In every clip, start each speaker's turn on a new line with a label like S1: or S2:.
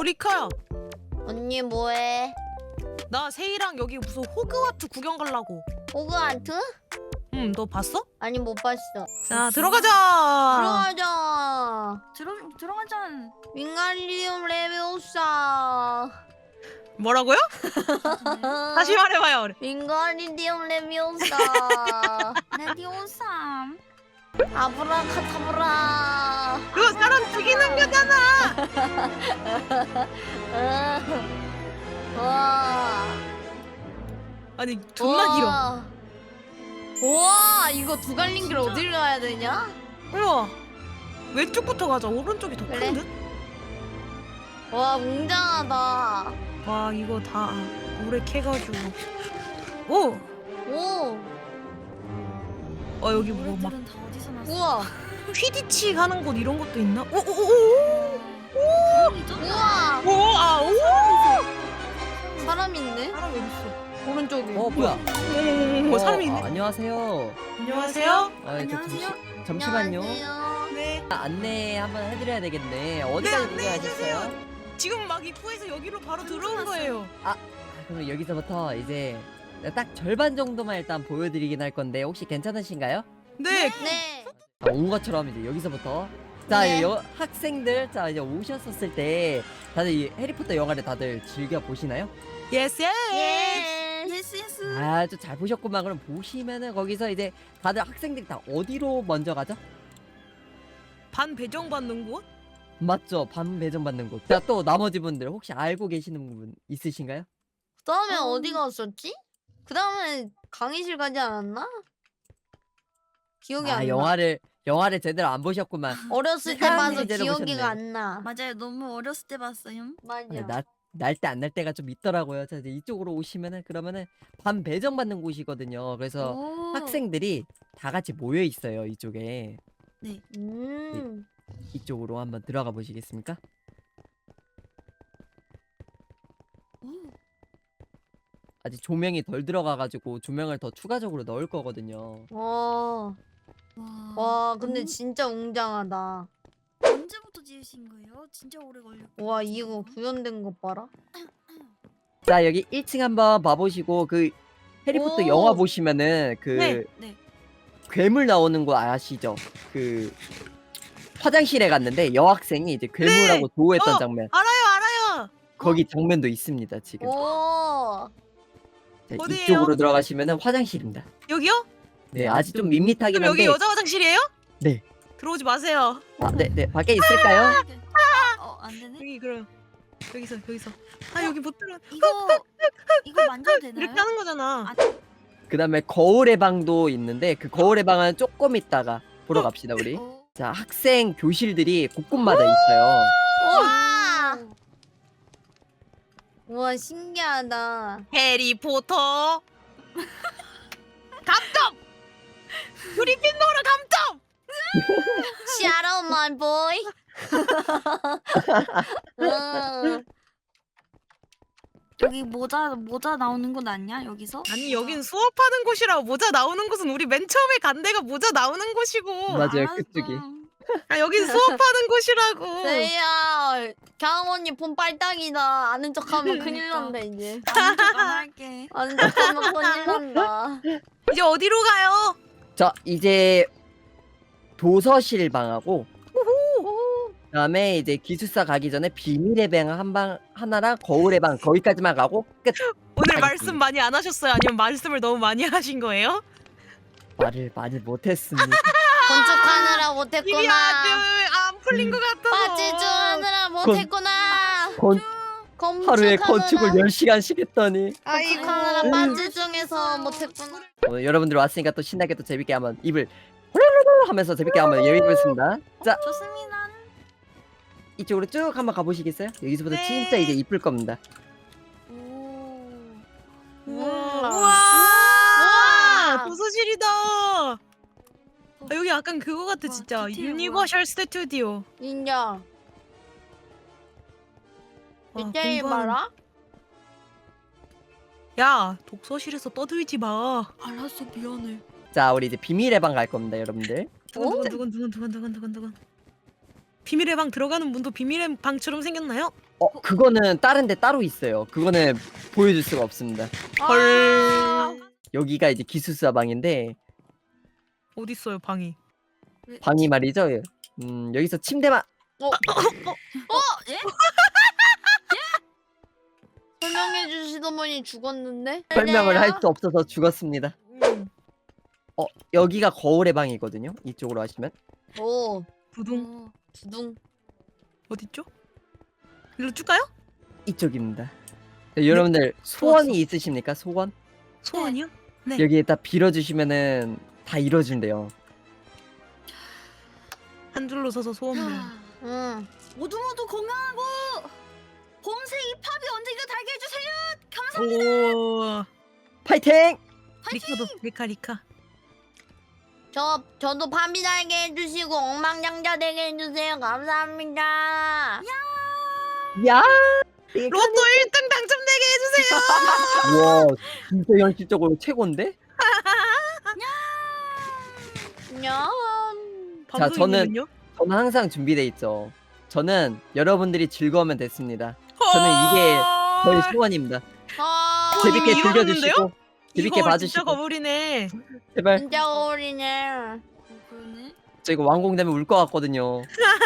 S1: 리카야,
S2: 언니 뭐해?
S1: 나 세이랑 여기 무슨 호그와트 구경 가려고.
S2: 호그와트?
S1: 응, 너 봤어?
S2: 아니 못 봤어.
S1: 자, 들어가자.
S2: 들어가자.
S3: 들어가자.
S2: 윙가리움 레비오사.
S1: 뭐라고요? 다시 말해봐요.
S2: 윙가리움 레비오사.
S3: 레디오삼.
S2: 아브라카타브라.
S1: 그거 사람 죽이는 거잖아.
S2: 와.
S1: 아니, 존나 길어.
S2: 와, 이거 두 갈린 길 어디를 가야 되냐?
S1: 우와, 왼쪽부터 가자. 오른쪽이 더
S2: 그래.
S1: 큰 듯?
S2: 와, 웅장하다.
S1: 와, 이거 다 모래 캐가지고. 오,
S2: 오,
S1: 여기 뭐 막
S3: 노래들은 다 어디서 났어?
S2: 우와,
S1: 퀴디치 가는 곳 이런 것도 있나?
S2: 우와.
S1: 오.
S2: 사람 있네?
S1: 사람 여기 있어.
S2: 오른쪽에.
S4: 뭐야?
S1: 뭐 사람이 있네.
S4: 안녕하세요.
S1: 안녕하세요.
S3: 안녕하세요.
S4: 잠시만요.
S2: 안녕하세요.
S1: 네.
S4: 안내 한번 해드려야 되겠네.
S1: 네,
S4: 어디까지
S1: 안내해
S4: 구경하셨어요?
S1: 지금 막 입구에서 여기로 바로 들어온 거예요.
S4: 그럼 여기서부터 이제 딱 절반 정도만 일단 보여드리긴 할 건데 혹시 괜찮으신가요?
S1: 네.
S2: 네.
S4: 온 것처럼 이제 여기서부터 자
S2: 네.
S4: 학생들 자 이제 오셨었을 때 다들 이 해리포터 영화를 다들 즐겨 보시나요?
S1: 예스.
S2: 예.
S3: 예스.
S4: 아주 잘 보셨구만. 그럼 보시면은 거기서 이제 다들 학생들이 다 어디로 먼저 가죠?
S1: 반 배정 받는 곳?
S4: 맞죠? 반 배정 받는 곳. 자 또 나머지 분들 혹시 알고 계시는 분 있으신가요?
S2: 그 다음에 어디 갔었지? 그 다음에 강의실 가지 않았나? 기억이 안 나.
S4: 영화를 제대로 안 보셨구만.
S2: 어렸을 때
S4: 사람들이
S2: 봐서
S4: 제대로
S2: 기억이
S4: 보셨네.
S2: 안 나.
S3: 맞아요. 너무 어렸을 때 봤어요.
S2: 맞아.
S4: 날 때 안 날 때가 좀 있더라고요. 자 이제 이쪽으로 오시면은 그러면은 반 배정 받는 곳이거든요. 그래서
S3: 오.
S4: 학생들이 다 같이 모여 있어요. 이쪽에
S2: 음.
S4: 이쪽으로 한번 들어가 보시겠습니까?
S3: 오.
S4: 아직 조명이 덜 들어가가지고 조명을 더 추가적으로 넣을 거거든요.
S2: 와.
S3: 와.
S2: 와, 근데 진짜 웅장하다.
S3: 언제부터 지으신 거예요? 진짜 오래 걸렸고.
S2: 와, 이거 구현된 것 봐라.
S4: 자 여기 1층 한번 봐보시고 그 해리포터
S2: 오.
S4: 영화 보시면은 그
S1: 네.
S3: 네.
S4: 괴물 나오는 거 아시죠? 그 화장실에 갔는데 여학생이 이제 괴물하고 조우했던
S1: 어.
S4: 장면.
S1: 알아요.
S4: 거기 장면도 있습니다 지금.
S2: 오.
S4: 자,
S1: 어디예요?
S4: 이쪽으로 들어가시면은 화장실입니다.
S1: 여기요?
S4: 네, 아직 좀 밋밋하긴
S1: 그럼 여기
S4: 한데.
S1: 여자 화장실이에요?
S4: 네.
S1: 들어오지 마세요.
S4: 네, 밖에 있을까요?
S3: 안 되네.
S1: 여기 그럼 여기서. 아, 여기 못 들어.
S3: 이거 만져도 되나요?
S1: 이렇게 하는 거잖아.
S4: 그다음에 거울의 방도 있는데 그 거울의 방은 조금 있다가 보러 갑시다 우리.
S3: 오.
S4: 자, 학생 교실들이 곳곳마다 있어요.
S2: 와. 우와, 신기하다.
S1: 해리포터. 감점. 그리핀도르 감점.
S2: Shout out my boy.
S3: 여기 모자 나오는 건 아니야? 여기서?
S1: 아니, 여긴 수업하는 곳이라 모자 나오는 곳은 우리 맨 처음에 간 데가 모자 나오는 곳이고.
S4: 맞아요,
S3: 알았어.
S4: 그쪽이.
S1: 아, 여긴 수업하는 곳이라고.
S2: 세이야, 강원 언니 폰 빨딱이다. 아는 척하면 큰일 난다 이제.
S3: 아는 척안 할게.
S2: 아는 척하면 큰일 난다.
S1: 이제 어디로 가요?
S4: 자, 이제 도서실 방하고 그다음에 이제 기숙사 가기 전에 비밀의 방 하나랑 거울의 방 거기까지만 가고 끝.
S1: 오늘
S4: 아니,
S1: 말씀 많이 안 하셨어요? 아니면 말씀을 너무 많이 하신 거예요?
S4: 말을 많이 못했습니다.
S2: 건축하느라
S1: 입이
S2: 못했구나.
S1: 아주 안 풀린 것 같아서.
S2: 빠지주하느라 못했구나.
S4: 하루에 건축을 10시간씩 했더니
S2: 건축하느라 빠지중에서 못했구나.
S4: 오늘 여러분들 왔으니까 또 신나게 또 재밌게 한번 입을 후루루루 하면서 재밌게 한번 예배드리겠습니다. 자,
S3: 좋습니다.
S4: 이쪽으로 쭉 한번 가보시겠어요? 여기서부터
S1: 네.
S4: 진짜 이제 이쁠 겁니다.
S1: 우와.
S2: 우와.
S1: 도서실이다. 아, 여기 약간 그거 같아
S3: 와,
S1: 진짜.
S3: 디테일
S1: 유니버셜 스튜디오.
S2: 인정.
S1: 와,
S2: 디테일
S1: 공부하는-
S2: 봐라.
S1: 야, 독서실에서 떠들지 마.
S3: 알았어, 미안해.
S4: 자, 우리 이제 비밀의 방 갈 겁니다, 여러분들.
S1: 두근두근. 비밀의 방 들어가는 문도 비밀의 방처럼 생겼나요?
S4: 그거는 다른 데 따로 있어요. 그거는 보여줄 수가 없습니다.
S1: 헐.
S4: 여기가 이제 기숙사 방인데
S1: 어딨어요 방이?
S4: 방이 말이죠. 여기서 침대만
S3: 예?
S2: 설명해 주시던 분이 죽었는데?
S4: 설명을 할 수 없어서 죽었습니다.
S1: 음.
S4: 여기가 거울의 방이거든요. 이쪽으로 하시면
S2: 오
S1: 부둥
S2: 두둥.
S1: 어딨죠? 일로 쭉 가요?
S4: 이쪽입니다. 네, 여러분들 소원이 있으십니까? 소원?
S1: 소원이요? 네.
S4: 여기에다 빌어주시면은 다 이뤄준대요.
S1: 한 줄로 서서 소원을.
S2: 응.
S3: 모두 모두 건강하고 봄새 잎합이 언젠가 달게 해주세요. 감사합니다.
S1: 오.
S4: 파이팅!
S1: 리카도 리카.
S2: 저도 밤이 날게 해주시고 엉망장자 되게 해주세요. 감사합니다.
S4: 야!
S1: 로또 1등 당첨되게 해주세요.
S4: 와, 진짜 현실적으로 최고인데?
S2: 냐.
S4: 자,
S1: 방송인은요?
S4: 저는 항상 준비돼 있죠. 저는 여러분들이 즐거우면 됐습니다. 저는 이게 저희 소원입니다.
S2: 아
S4: 재밌게
S1: 이미
S4: 즐겨주시고 재밌게
S1: 이거
S4: 봐주시고
S1: 진짜 거물이네.
S4: 제발.
S2: 진짜 어울리네.
S3: 그러네.
S4: 저 이거 완공되면 울 것 같거든요.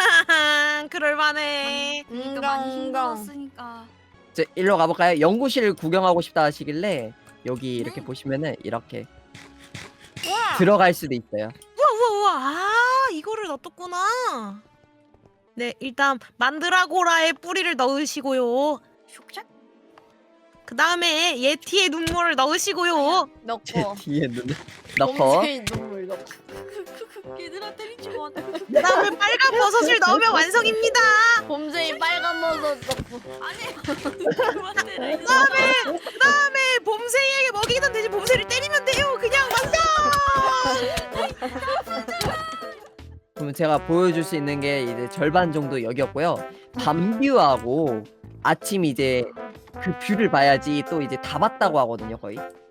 S1: 그럴만해.
S3: 그러니까 많이
S2: 인강.
S3: 힘들었으니까.
S4: 저 일로 가볼까요? 연구실 구경하고 싶다 하시길래 여기 이렇게
S3: 네.
S4: 보시면은 이렇게
S2: 우와.
S4: 들어갈 수도 있어요.
S1: 우와. 아 이거를 놔뒀구나. 네 일단 만드라고라의 뿌리를 넣으시고요.
S3: 슉샥.
S1: 그 다음에 예티의 눈물을 넣으시고요.
S4: 제
S2: 넣고.
S4: 뒤에 눈을 넣고
S2: 봄새 눈물 넣고.
S3: 얘들아 때리지 마.
S1: 그 다음에 빨간 버섯을 넣으면 완성입니다.
S2: 봄새 빨간 버섯 넣고.
S3: 아니. 그만 때려.
S1: 그 다음에 봄새에게 먹이던 대신 봄새를 때리면 돼요. 그냥 완성.
S4: 그러면 제가 보여줄 수 있는 게 이제 절반 정도 여기였고요. 밤뷰하고 아침 이제 그 뷰를 봐야지 또 이제 다 봤다고 하거든요, 거의.